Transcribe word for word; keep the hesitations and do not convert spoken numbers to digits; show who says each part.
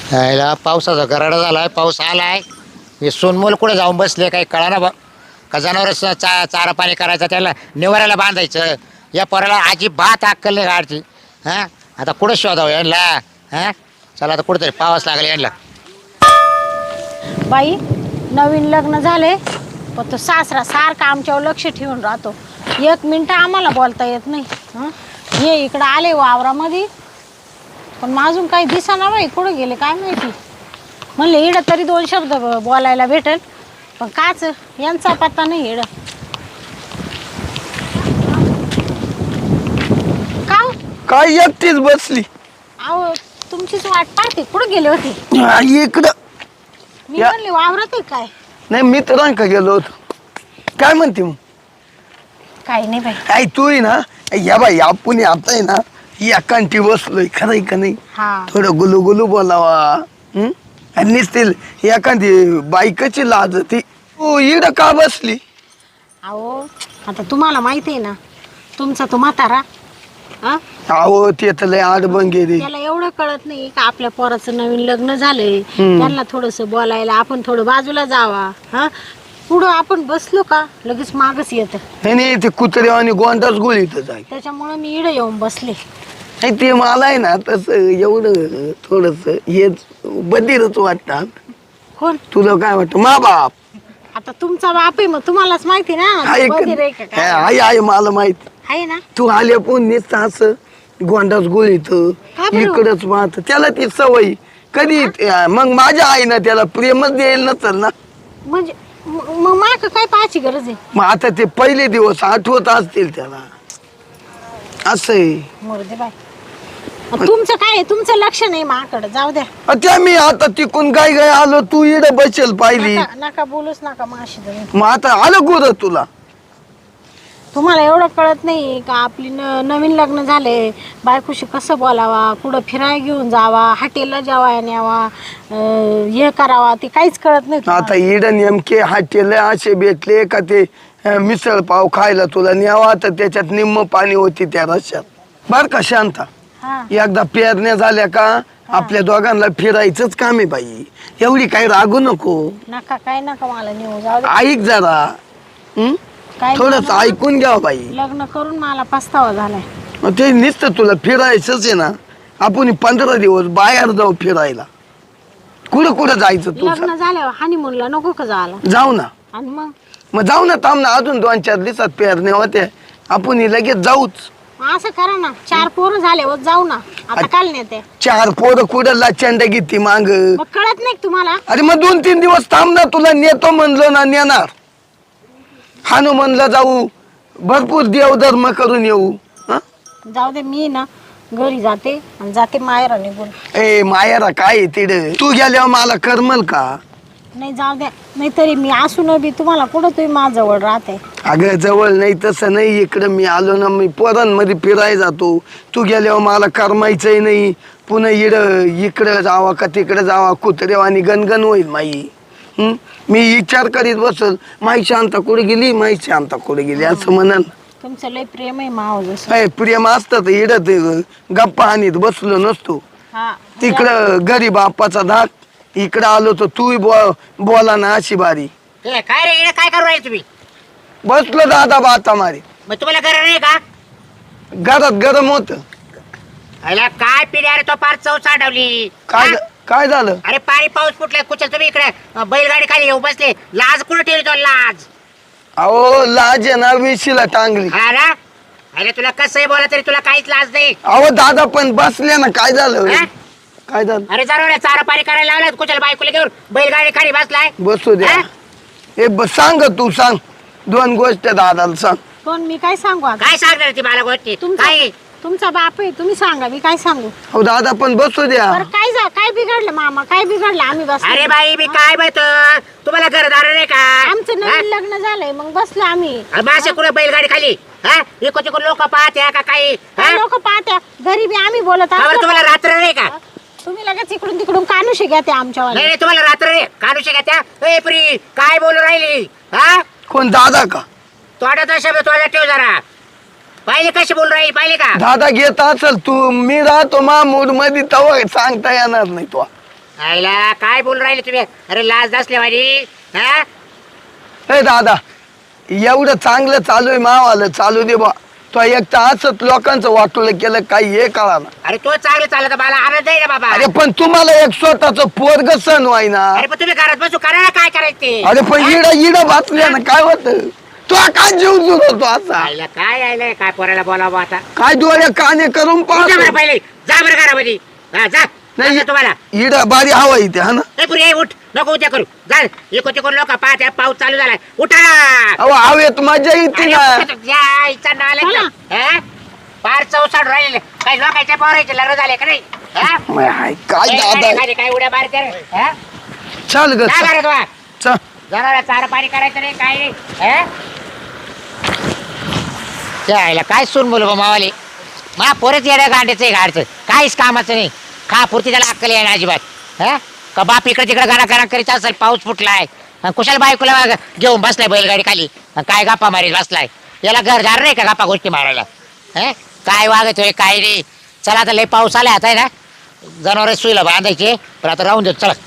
Speaker 1: यायला पावसाचा गराडा झालाय, पाऊस आलाय. हे सोनमोल कुठे जाऊन बसले काही कळा ना बा. का जनावर चा चारा पाणी करायचं, त्याला निवाऱ्याला बांधायचं. या पोराला अजिबात अक्कल नाही गाडची. हां आता कुठं शोधावं यांना? हां चला आता कुठेतरी पावस लागला यांना.
Speaker 2: बाई नवीन लग्न झाले पण तो सासरा सारखा आमच्यावर लक्ष ठेवून राहतो. एक मिनटं आम्हाला बोलता येत नाही. हं हे इकडं आले वावरामध्ये पण माझून काही दिसेना बाई, कुठं गेले काय माहिती. म्हणले इडं तरी दोन शब्द बोलायला भेटेल पण काच यांचा पत्ता नाही. इडं का हो?
Speaker 3: काय एकटीच बसली
Speaker 2: अहो तुमचीच वाट पाहते. कुठं गेले होते?
Speaker 3: हा, इकडं
Speaker 2: मी
Speaker 3: या-
Speaker 2: म्हणले वावरात आहे काय?
Speaker 3: नाही मित्रांका गेलो होतो. काय म्हणते मग?
Speaker 2: काही नाही बाई.
Speaker 3: आई तू आहे ना, या बाई आपण आता आहे ना एकांटी बसलोय, खरंय का नाही?
Speaker 2: हा
Speaker 3: थोडं गुलू गुलू बोलावा. हं? आणि निसतील एखादी बायकाची लाज ती. तू इकडं का बसली?
Speaker 2: अहो आता तुम्हाला माहिती आहे ना तुमचा तो म्हातारा, हा
Speaker 3: अहो ते तर लय आडबंग गेली.
Speaker 2: त्याला एवढं कळत नाही का आपल्या पोराचं नवीन लग्न झालंय, त्यांना थोडस बोलायला आपण थोडं बाजूला जावा. हा पुढं आपण बसलो का लगेच मागच येतं.
Speaker 3: नाही नाही ते कुत्रे आणि गोंडाच गोळीतच आहे.
Speaker 2: त्याच्यामुळे मी इडं येऊन बसले.
Speaker 3: नाही ते मला आहे ना तसं एवढं थोडस हे बधीरच वाटतात.
Speaker 2: कोण?
Speaker 3: तुला काय वाटतं? मा बाप
Speaker 2: आता तुमचा बाप आहे मग तुम्हालाच माहिती ना
Speaker 3: आहे
Speaker 2: बधीर आहे का
Speaker 3: का?
Speaker 2: काय?
Speaker 3: आहे आहे मला माहित.
Speaker 2: आहे ना.
Speaker 3: तू आल्या पण नुसतं असं गोंडाच गोळीत
Speaker 2: का बरं?
Speaker 3: इकडच पाहत. त्याला ती सवय कधी मग माझ्या आईनं त्याला प्रेमच द्यायला नसल ना.
Speaker 2: म्हणजे म- मग माग काय पाहायची गरज आहे?
Speaker 3: मग आता ते पहिले दिवस आठवत असतील त्याला. असं आहे.
Speaker 2: मरू दे बाय. तुमचं काय आहे? तुमचं लक्ष नाही माकडं. जाऊ द्या.
Speaker 3: अ, त्या मी आता तिकून काय काय आलो, तू इड बसेल पाहिली.
Speaker 2: नका नका बोलूच नका माशी तुम्ही.
Speaker 3: मग आता आलं कुठं तुला?
Speaker 2: तुम्हाला एवढं कळत नाही का आपली न नवीन लग्न झाले, बायकोशी कसं बोलावा, कुठं फिरायला घेऊन जावा, हॉटेलला जेवायला न्यावा, अं, हे करावा, ते काहीच कळत नाही तुम्हाला.
Speaker 3: आता इड नेमके हाटेले असे भेटले का ते अ, मिसळ पाव खायला तुला न्यावा, तर त्याच्यात निम्म पाणी होती त्या रश्यात. बर का शांता,
Speaker 2: हा
Speaker 3: एकदा पेरण्या झाल्या का आपल्या दोघांना फिरायचंच काम आहे बाई. एवढी काही रागू नको.
Speaker 2: नका काय नका मला नेऊ. जाऊ दे.
Speaker 3: ऐक जरा. हं?
Speaker 2: काय
Speaker 3: थोडस
Speaker 2: मला
Speaker 3: ऐकून घ्या बाई.
Speaker 2: लग्न करून मला पस्तावा झालाय.
Speaker 3: मग ते नुसतं तुला फिरायचंच आहे ना. आपण पंधरा दिवस बाहेर जाऊ फिरायला. कुठं कुठं जायचं तू?
Speaker 2: लग्न झाल्यावर हनीमूनला नको का जायला?
Speaker 3: जाऊ ना.
Speaker 2: आणि मग
Speaker 3: मग जाऊ ना, थांब ना, अजून दोन चार दिवसात पेरण्या होते. आपण लगेच जाऊच.
Speaker 2: मग असं करा ना, चार पोरं झाल्यावर जाऊ ना. आता काल नेते.
Speaker 3: चार पोरं कुठं लाचंड घेती मांग.
Speaker 2: मग कळत नाही का तुम्हाला?
Speaker 3: अरे मग दोन तीन दिवस थांब ना, तुला नेतो म्हणलो ना, नेणार. हनुमानला जाऊ, भरपूर देवधर्म करून येऊ. हं?
Speaker 2: जाऊ दे. मी ना घरी जाते आणि जाते मायरा निघून.
Speaker 3: ए मायारा काय तिड तू गेल्यावर मला करमल का?
Speaker 2: नाही जाऊ द्या. नाही तरी मी असून बी तुम्हाला कुठं तुम्ही माझ्याजवळ राहते.
Speaker 3: अगं जवळ नाही तसं नाही. इकडं मी आलो ना, मी पोरांमध्ये फिरायला जातो. तू गेल्यावर मला करमायचंही नाही. पुन्हा इड इकडं जावा का तिकडं जावा, कुत्रेव आणि गणगण होईल माई. हं? मी विचार करीत बसल, माई शांता कुठे गेली, माई शांता कुठे गेली असं म्हणाल.
Speaker 2: तुमचं लय प्रेम आहे माव जसं.
Speaker 3: अय प्रेम असतं तर इड ते गप्पा आणीत बसलो नसतो.
Speaker 2: हा
Speaker 3: तिकडं गरीब बाप्पाचा धाक, इकडं आलो तर तू बो बोला ना अशी बारी.
Speaker 1: ए, काय रे इकडे काय करू राहिले तुम्ही?
Speaker 3: बसलो दादा बाता मारी.
Speaker 1: मग तुम्हाला गरज नाही का?
Speaker 3: घरात गरम होत.
Speaker 1: अरे काय पिढी, अरे तो पार चव साठवली.
Speaker 3: काय काय झालं?
Speaker 1: अरे पाणी पाऊस फुटलाय, कुचल तुम्ही इकडे अं, बैलगाडी खाली येऊ बसले. लाज कुठे ठेवली तो लाज?
Speaker 3: अहो लाज आहे ना विशीला टांगली.
Speaker 1: हा ना? अरे तुला कसंही बोला तरी तुला काहीच लाज नाही.
Speaker 3: अहो दादा पण बसले ना, काय झालं?
Speaker 1: हा?
Speaker 3: काय झालं?
Speaker 1: अरे जरूर चारा पाणी करायला लावलं, कुचल बायकोला घेऊन बैलगाडी खाली बसलाय.
Speaker 3: बसू द्या.
Speaker 1: हा?
Speaker 3: ए ब- सांग तू सांग दोन गोष्ट दादाला सांग.
Speaker 2: पण मी काय सांगू आता?
Speaker 1: काय सांगणार ती मला गोष्टी?
Speaker 2: तुमचा
Speaker 1: काय
Speaker 2: तुमचा बाप आहे, तुम्ही सांगा. मी काय सांगू?
Speaker 3: अहो दादा पण बसू द्या.
Speaker 2: बरं काय जा काय बिघडलं मामा? काय बिघडलं? आम्ही बस.
Speaker 1: अरे बाई मी काय माहित, तुम्हाला घरदार नाही का?
Speaker 2: आमचं
Speaker 1: हा?
Speaker 2: नवीन लग्न झालंय मग बसलो आम्ही.
Speaker 1: अरे मासे कुठे बैलगाडी खाली? हा इको तिको लोक पाहते का काही? हा?
Speaker 2: लोक पाहत्या घरी बी आम्ही बोलत
Speaker 1: का बरं
Speaker 2: असतो.
Speaker 1: तुम्हाला रात्र नाही का?
Speaker 2: तुम्ही लगेच इकडून तिकडून कानुशी घ्या ते आमच्यावर.
Speaker 1: नाही नाही, तुम्हाला रात्र रे काढू का त्या? ए प्री काय बोलू राहिली? हा
Speaker 3: कोण दादा का?
Speaker 1: तोंडाचा शब्द तोंडात ठेव जरा. पाहिले कशी बोलू राहिली, पाहिले का?
Speaker 3: दादा घेत असेल तू, मी राहतो मा मूड मध्ये तवा सांगता येणार नाही तो.
Speaker 1: आईला काय बोल राहिले तुम्ही? अरे लाज नसले माझी. हा
Speaker 3: ए दादा एवढं चांगलं चालू आहे मावाला चालू दे बा. तो एक तर असंच लोकांचं वाटलं केलं काही हे कळा ना.
Speaker 1: अरे तो चांगलं चालत मला आनंद आहे ना बाबा.
Speaker 3: अरे पण तुम्हाला एक स्वतःच पोरग सण व्हाय ना.
Speaker 1: अरे पण तुम्ही घरात बसू करा ना काय करायचं ते.
Speaker 3: अरे पण इड इड बातल्या ना काय होत तो काय जीव जुळ होतो असा.
Speaker 1: आईला काय आयलंय काय पोराला बोलावं आता.
Speaker 3: काय डोळ्या काने करून
Speaker 1: जा बरं
Speaker 3: पाहतो.
Speaker 1: पहिले जा बरं घरामध्ये. हा जा
Speaker 3: नाही
Speaker 1: नाही तुम्हाला.
Speaker 3: इड बारी हवा इथे हा ना.
Speaker 1: ए पुरी ए, उठ नको उद्या करू. जा इको तिको लोक पाहत आहे, पाऊस चालू झालाय. उठा.
Speaker 3: अहो हवेत मजा येते
Speaker 1: अरे,
Speaker 3: ना.
Speaker 1: उठा, या, इच्छा नालायक
Speaker 2: चला.
Speaker 1: का? हा? फार चौसाड राहिलेले काही लोकांच्या पोराचे लग्न झाले का नाही? हा?
Speaker 3: माय हाय, काय
Speaker 1: ए,
Speaker 3: दादा
Speaker 1: खाली- खाली काय उड्या मारते रे? हा?
Speaker 3: चल ग
Speaker 1: जा घरात वा.
Speaker 3: चल.
Speaker 1: जनावराला चारा पाणी करायचं नाही काय नाही. हा? त्या आईला काय सून बोलू मावाले. मा पोरच येड्या गांड्याचं आहे गाडचं काहीच कामाचं नाही. खा पुरती त्याला अक्कल आहे ना अजिबात. हा का बाप इकडे तिकडे गाणा गाणा करीत असेल पाऊस फुटलाय आणि कुशाल बायकोला घेऊन बसलाय बैलगाडी खाली आणि काय गप्पा मारीत बसलाय. याला घरदार नाही का गप्पा गोष्टी मारायला. हा काय वागतोय काय नाही. चला आता लय पाऊस आलाय आता आहे ना जनावर सुईला बांधायचे पण आता राहून देत चला.